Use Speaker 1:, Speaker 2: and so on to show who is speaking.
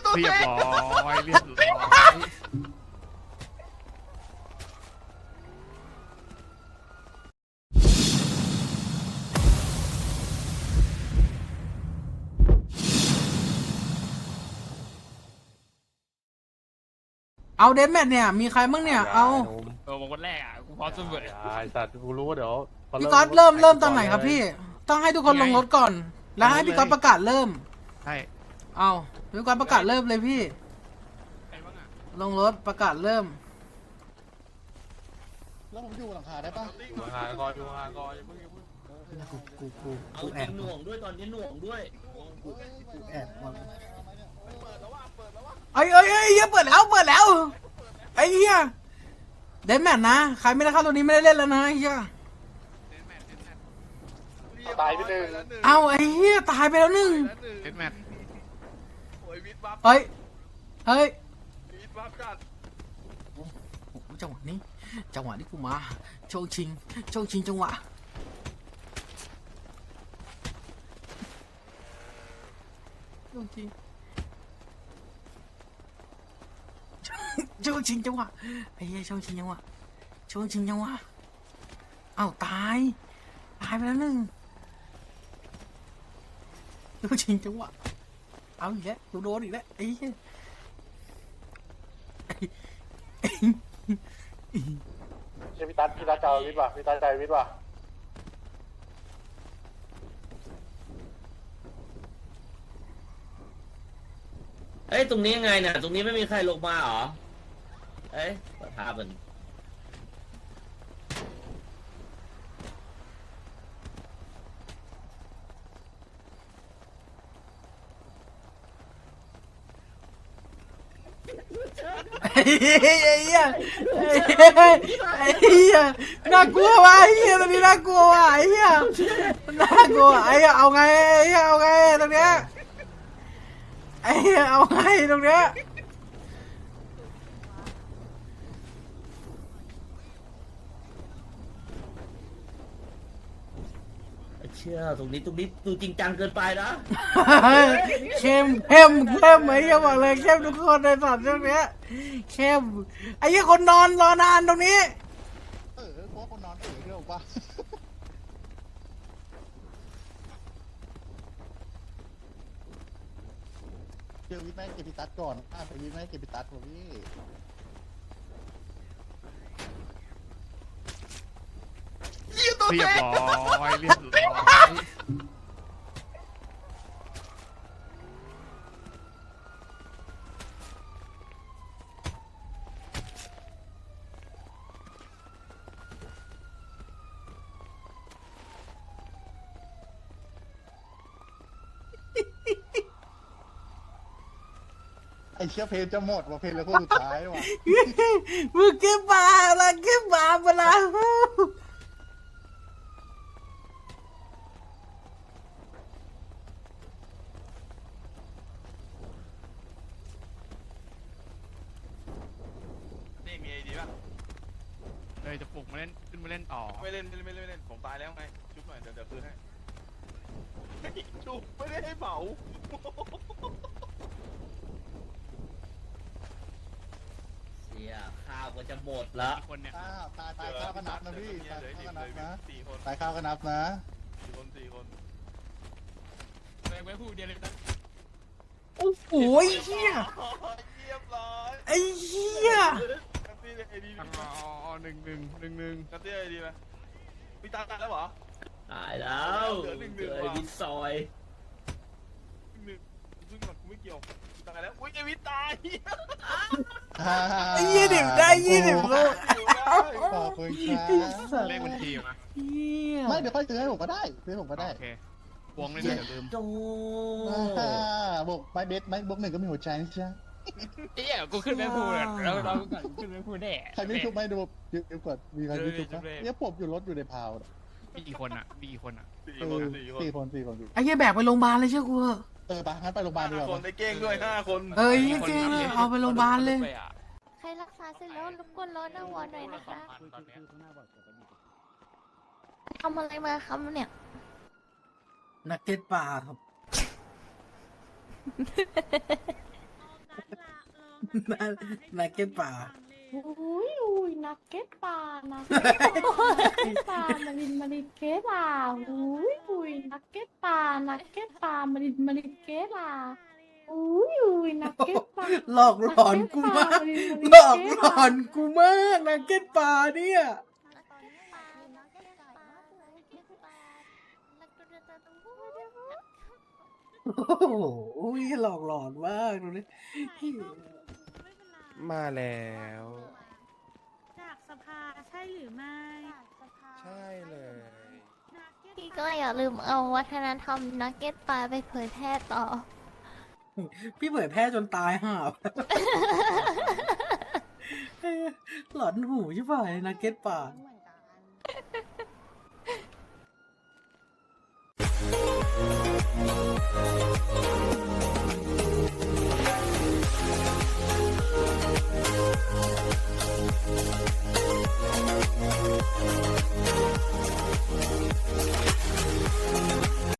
Speaker 1: ตัว
Speaker 2: เรียบ
Speaker 1: เอง
Speaker 2: ร้อยเรียบร้อย
Speaker 3: เอาเดนแมทเนี่ยมีใครบ้างเนี่ยเอา
Speaker 2: บอกวันแรกอ่ะกูพร้อมเสมอ
Speaker 4: ไอ้สัตว์กูรู้ว่าเดี๋ยวพ
Speaker 3: พี่ก๊อตเริ่มตอนไหนครับพี่ ต้องให้ทุกคนลงรถก่อน แล้วให้พี่ก๊อตประกาศเริ่ม
Speaker 2: ใช่
Speaker 3: เอาพี่ก๊อตประกาศเริ่มเลยพี่
Speaker 2: ใครบ้างอ่ะ
Speaker 3: ลงรถประกาศเริ่ม
Speaker 5: แล้วผมอยู่หลังคาได้ปะ
Speaker 4: ดูหางก่อนดูหางก่อนอย่าเพิ่ง
Speaker 6: เอาจริงหน่วงด้วยตอนนี้หน่วงด้วย
Speaker 3: แอบเอ้ยเฮียเปิดแล้วไอ้เฮียเดนแมทนะใครไม่ได้เข้าตัวนี้ไม่ได้เล่นแล้วนะไอ้เฮีย
Speaker 4: ตายไปหนึ่ง
Speaker 3: เอาไอ้เฮียตายไปแล้วหนึ่ง
Speaker 2: เอ็ดแมท
Speaker 1: โอ้ยวิทย์บัฟ
Speaker 3: เฮ้ย
Speaker 1: วิทย์บัฟจัด
Speaker 3: โอ้โหจังหวะนี้กูมาโชคชิงจังหวะโชคชิงจังหวะไอ้เหี้ยโชคชิงจังหวะอ้าวตายไปแล้วหนึ่งโชคชิงจังหวะเอาอีกแล้วกูโดนอีกแล้วไอ้เหี้ย
Speaker 4: ใช่พี่ตั๊ดเจ้าวิทย์ป่ะพี่ตั๊ดใจวิทย์ป่ะ
Speaker 6: เอ้ยตรงนี้ยังไงเนี่ยตรงนี้ไม่มีใครลงมาเหรอเอ้ยประธานมัน
Speaker 3: ไอ้เหี้ยน่ากลัวว่ะไอ้เหี้ยตรงนี้น่ากลัวว่ะไอ้เหี้ยไอ้เหี้ยเอาไงตรงเนี้ยไอ้เหี้ยเอาไงตรงเนี้ย
Speaker 6: เชื่อตรงนี้ดูจริงจังเกินไปนะ
Speaker 3: เข้มไอ้เหี้ยบอกเลยเข้มทุกคนในสัตว์ตรงเนี้ยเข้มไอ้เหี้ยคนนอนรอนานตรงนี้
Speaker 5: เพราะคนนอนเรื่องปะเจอวิทย์แม่งเก็บพิตัดก่อนไปวิทย์แม่งเก็บพิตัดผมพี่
Speaker 2: เรียบร้อยเรียบร้อย
Speaker 5: ไอเชี่ยเพลงจะหมดว่ะเพลงแล้วก็สุดท้ายว่ะ
Speaker 3: มึงเก็บมาเวลา
Speaker 1: นี่มีไอดีป่ะ
Speaker 2: เลยจะปลุกมาเล่นขึ้นมาเล่นต่อ
Speaker 1: ไม่เล่นผมตายแล้วไงชุบหน่อยเดี๋ยวคืนให้ชุบไม่ได้ให้เหมา
Speaker 6: เสียข้าวก็จะหมดแล้ว
Speaker 2: อีกคนเนี่ย
Speaker 5: ตายข้าวก็นับนะพี่ตาย
Speaker 1: เหลือ
Speaker 5: ข้าวก็นับนะ
Speaker 1: 4 คน
Speaker 5: ตายข้าวก็นับนะ
Speaker 1: 4 คน
Speaker 2: ไว้พูดเดียวเลยนะ
Speaker 3: โอ้โหไอ้เหี้ย
Speaker 1: เรียบร้อย
Speaker 3: ไอ้เหี้ย
Speaker 1: นัตตี้ไอดี
Speaker 2: อ๋อหนึ่ง
Speaker 1: นัตตี้ไอดีไหมพี่ตายแล้วเหรอ
Speaker 6: ตายแล้ว
Speaker 1: เหลือหนึ่ง
Speaker 6: เจอ
Speaker 1: ว่ะ
Speaker 6: วิทซอย
Speaker 1: ซึ่งกูไม่เกี่ยวพี่ตายแล้วอุ้ยไอวิทตาย
Speaker 3: ไอ้20ได้20ลูก
Speaker 5: ขอบคุณครับ
Speaker 2: เลขบัญชีมา
Speaker 3: เหี้ย
Speaker 5: ไม่เดี๋ยวค่อยซื้อให้ผมก็ได้ซื้อให้ผมก็ได้
Speaker 2: โอเควงเลยนะอย่าลืม
Speaker 6: โจ
Speaker 5: บอกไม่เบสไม่บวกหนึ่งก็มีหัวใจนะจ๊ะ
Speaker 2: เอ้ยกูขึ้นไม่พูดแล้วเราก่อนขึ้นไม่พูดแน่
Speaker 5: ใครไม่ชุบไม่ดูเดี๋ยวก่อนมีใครไม่ชุบไหมเนี่ยผมอยู่รถอยู่ในพาว
Speaker 2: มีกี่คนอ่ะ
Speaker 1: 4 คน
Speaker 5: สี่คน
Speaker 3: ไอ้เหี้ยแบกไปโรงพยาบาลเลยเชื่อกูเถอะ
Speaker 5: ไปงั้นไปโรงพยาบาลดีก
Speaker 1: 5
Speaker 5: ว่า
Speaker 1: คนได้เก้งด้วย5 คน
Speaker 3: เอ้ยเก่งเอาไปโรงพยาบาลเลย
Speaker 7: ใครรักษาเสร็จแล้วรบกวนรอหน้าวอร์ดหน่อยนะคะทำอะไรมาครับเนี่ย
Speaker 3: นักเก็ตปลาครับนักเก็ตป่า
Speaker 8: อุ้ยนักเก็ตปลานักเก็ตปลามารินเกตปลาอุ้ยนักเก็ตปลานักเก็ตปลามารินเกตปลาอุ้ยนักเก็ตปลา
Speaker 3: หลอกหลอนกูมากหลอกหลอนกูมากนักเก็ตป่าเนี่ย โอ้โหหลอกหลอนมากดูดิ
Speaker 2: มาแล้ว
Speaker 8: จากสภาใช่หรือไม่
Speaker 2: ใช่เลย
Speaker 7: พี่ก็อย่าลืมเอาวัฒนธรรมนักเก็ตปลาไปเผยแพร่ต่อ
Speaker 3: พี่เผยแพร่จนตายห่าหลอนหูใช่ป่ะนักเก็ตป่า
Speaker 7: Thank you.